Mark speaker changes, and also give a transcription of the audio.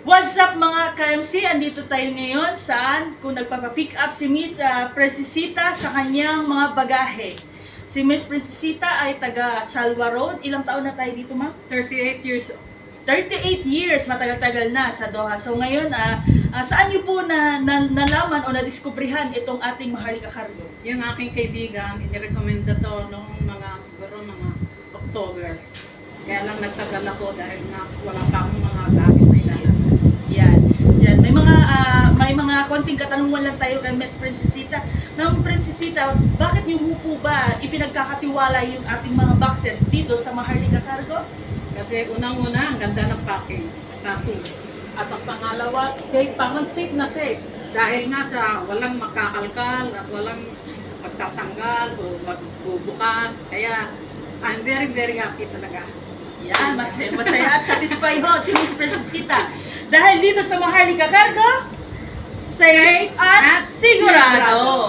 Speaker 1: What's up mga KMC? Andito tayo ngayon saan kung nagpapapick up si Miss Princesita sa kanyang mga bagahe. Si Miss Princesita ay taga Salwa Road. Ilang taon na tayo dito, ma'am?
Speaker 2: 38 years.
Speaker 1: 38 years, matagal-tagal na sa Doha. So ngayon, saan niyo po nalaman o nadiskubrihan itong ating Maharlika Cargo?
Speaker 2: Yung aking kaibigan, inirekomenda to noong siguro mga October. Kaya lang nagtagal ako dahil nga wala pa akong mga gamit na ilalabas.
Speaker 1: Yan. May mga konting katanungan lang tayo kay Miss Princesita. Ma'am Princesita, bakit niyo po ba ipinagkakatiwala yung ating mga boxes dito sa Maharlika Cargo?
Speaker 2: Kasi unang-una, ang ganda ng packing. At ang pangalawa, safe pa. Mag-safe na safe. Dahil nga sa walang makakalkal at walang magtatanggal o magbubukas. Kaya, I'm very, very happy talaga.
Speaker 1: Yan, masaya at satisfied ho si Miss Princesita. Dahil dito sa Maharlika Cargo, safe at sigurado.